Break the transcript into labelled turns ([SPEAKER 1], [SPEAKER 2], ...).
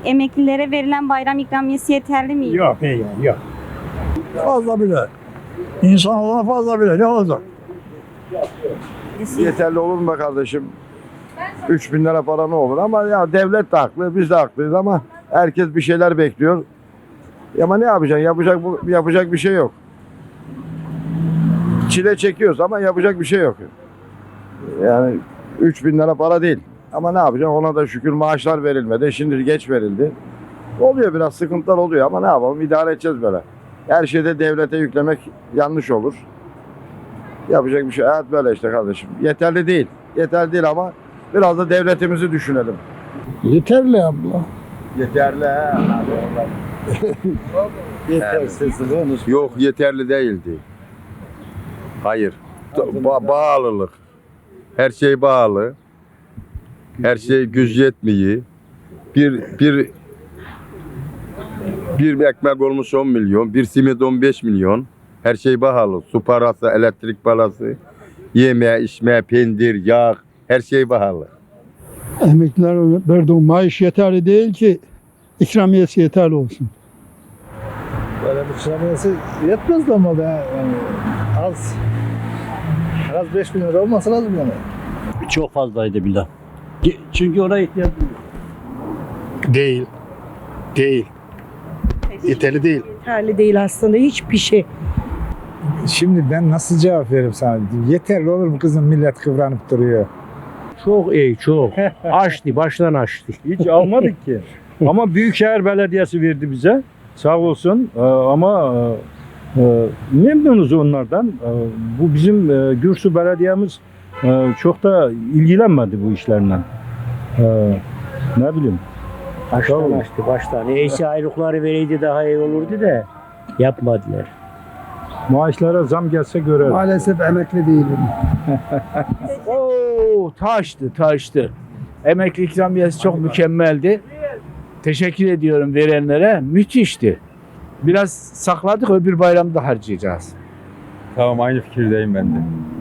[SPEAKER 1] Emeklilere verilen bayram ikramiyesi yeterli mi?
[SPEAKER 2] Yok, yok. Fazla bile. İnsan olana fazla bile. Ne olacak?
[SPEAKER 3] Yeterli olur mu be kardeşim? 3.000 lira para ne olur ama ya devlet de haklı, biz de haklıyız ama herkes bir şeyler bekliyor. Ama ne yapacaksın? Yapacak bir şey yok. Çile çekiyoruz ama yapacak bir şey yok. Yani 3.000 lira para değil. Ama ne yapacaksın? Ona da şükür maaşlar verilmedi. Şimdi geç verildi. Oluyor, biraz sıkıntılar oluyor ama ne yapalım? İdare edeceğiz böyle. Her şeyde devlete yüklemek yanlış olur. Yapacak bir şey. Hayat böyle işte kardeşim. Yeterli değil. Yeterli değil ama biraz da devletimizi düşünelim.
[SPEAKER 2] Yeterli abla.
[SPEAKER 3] Yeterli he.
[SPEAKER 2] Yetersiz.
[SPEAKER 3] Yok, yeterli değildi. Hayır. Bağlılık. Her şey bağlı. Her şey güç yetmiyor. Bir ekmek olmuş 10 milyon, bir simit 15 milyon. Her şey pahalı. Su parası, elektrik parası, yeme, içme, peynir, yağ, her şey pahalı.
[SPEAKER 2] Emekliler verdiği maaş yeterli değil ki ikramiyesi yeterli olsun.
[SPEAKER 4] Böyle bir ikramiyesi yetmez de ama da yani az. En az 5.000 lira olması lazım yani.
[SPEAKER 5] Çok fazlaydı bile. Çünkü ona ihtiyaç
[SPEAKER 4] Değil. Değil. Yeterli değil.
[SPEAKER 6] Yeterli değil aslında hiçbir şey.
[SPEAKER 4] Şimdi ben nasıl cevap veririm sana? Yeterli olur mu kızım, millet kıvranıp duruyor.
[SPEAKER 7] Çok iyi, çok. Açtı, baştan açtı. Hiç almadık ki. Ama Büyükşehir Belediyesi verdi bize. Sağ olsun. Ama memnunuz onlardan. Bu bizim Gürsü Belediyemiz çok da ilgilenmedi bu işlerle. Ne bileyim.
[SPEAKER 5] baştan açtı, baştan. Neyse aylıkları vereydi daha iyi olurdu da yapmadılar.
[SPEAKER 7] Maaşlara zam gelse görer.
[SPEAKER 2] Maalesef emekli değilim.
[SPEAKER 8] Oo, taştı. Emekli ikramiyesi çok mükemmeldi. Teşekkür ediyorum verenlere. Müthişti. Biraz sakladık, öbür bayramda harcayacağız.
[SPEAKER 9] Tamam, aynı fikirdeyim ben de.